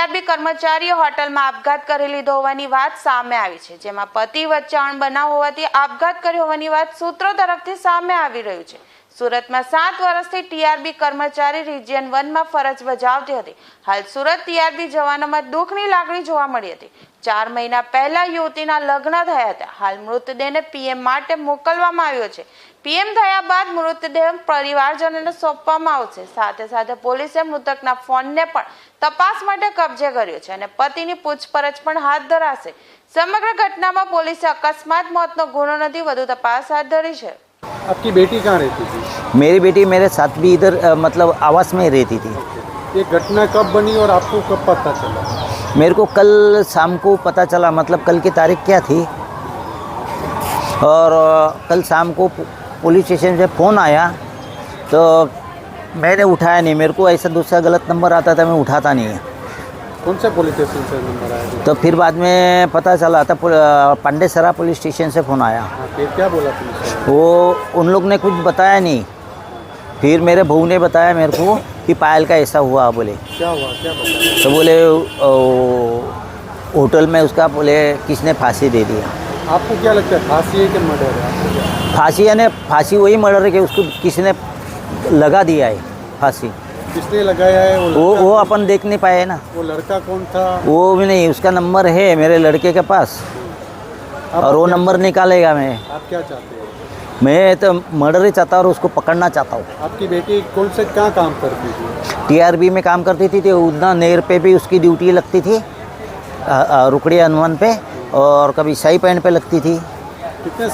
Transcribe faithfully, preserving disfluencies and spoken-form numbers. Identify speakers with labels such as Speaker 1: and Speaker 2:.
Speaker 1: TRB કર્મચારીએ હોટલમાં આપઘાત કરી લીધો હોવાની વાત સામે આવી છે, જેમાં પતિ વચ્ચે અણબનાવ હોવાથી આપઘાત કર્યો હોવાની વાત સૂત્રો તરફથી સામે આવી રહ્યું છે। સુરતમાં સાત વર્ષથી ટીઆરબી કર્મચારી રિજિયન વનમાં ફરજ બજાવતી હતી। હાલ સુરત ટીઆરબી જવાનોમાં દુઃખની લાગણી જોવા મળી હતી। ચાર મહિના પહેલા યુવતીના લગ્ન થયા હતા। હાલ મૃતદેહને પીએમ માટે મોકલવામાં આવ્યો છે। પીએમ થયા બાદ મૃતદેહ પરિવારજનોને સોંપવામાં આવશે। સાથે સાથે પોલીસે મૃતકના ફોનને પણ તપાસ માટે કબજે કર્યો છે અને પતિની પૂછપરછ પણ હાથ ધરાશે। સમગ્ર ઘટનામાં પોલીસે અકસ્માત મોતનો ગુનો નથી, વધુ તપાસ હાથ ધરી છે।
Speaker 2: आपकी बेटी कहाँ रहती थी?
Speaker 3: मेरी बेटी मेरे साथ भी इधर अ, मतलब आवास में रहती थी।
Speaker 2: ये घटना कब बनी और आपको कब पता चला?
Speaker 3: मेरे को कल शाम को पता चला, मतलब कल की तारीख क्या थी, और अ, कल शाम को पु- पुलिस स्टेशन से फ़ोन आया तो मैंने उठाया नहीं। मेरे को ऐसा दूसरा गलत नंबर आता था, मैं उठाता नहीं है।
Speaker 2: कौन सा पुलिस स्टेशन से नंबर आया?
Speaker 3: तो फिर बाद में पता चला था पुल- अ, पांडेसरा पुलिस स्टेशन से फ़ोन आया।
Speaker 2: हाँ, फिर क्या बोला पुलिस वाले?
Speaker 3: वो उन लोग ने कुछ बताया नहीं। फिर मेरे बहू ने बताया मेरे को कि पायल का ऐसा हुआ। बोले
Speaker 2: क्या हुआ, क्या बताया?
Speaker 3: तो बोले अ, होटल में उसका बोले किसने फांसी दे दिया।
Speaker 2: आपको क्या लगता है, फांसी है कि मर्डर है? आपको क्या?
Speaker 3: फांसी यानी फांसी वही मर्डर है कि उसको किसी ने लगा दिया है फांसी।
Speaker 2: किसने लगाया है? वो
Speaker 3: वो
Speaker 2: लड़का,
Speaker 3: वो अपन देख नहीं पाए ना,
Speaker 2: वो लड़का कौन था?
Speaker 3: वो भी नहीं। उसका नंबर है मेरे लड़के के पास
Speaker 2: आप
Speaker 3: और वो
Speaker 2: क्या-
Speaker 3: नंबर निकालेगा। मैं
Speaker 2: आप क्या चाहते हो?
Speaker 3: मैं तो मर्डर ही चाहता हूँ और उसको पकड़ना चाहता हूँ।
Speaker 2: आपकी बेटी कौन से कहाँ काम करती थी?
Speaker 3: टीआरबी में काम करती थी, तो उतना नेर पे भी उसकी ड्यूटी लगती थी, अ, अ, रुकड़ी हनुमान पे, और कभी शाही पैंट पे लगती थी।
Speaker 2: कितने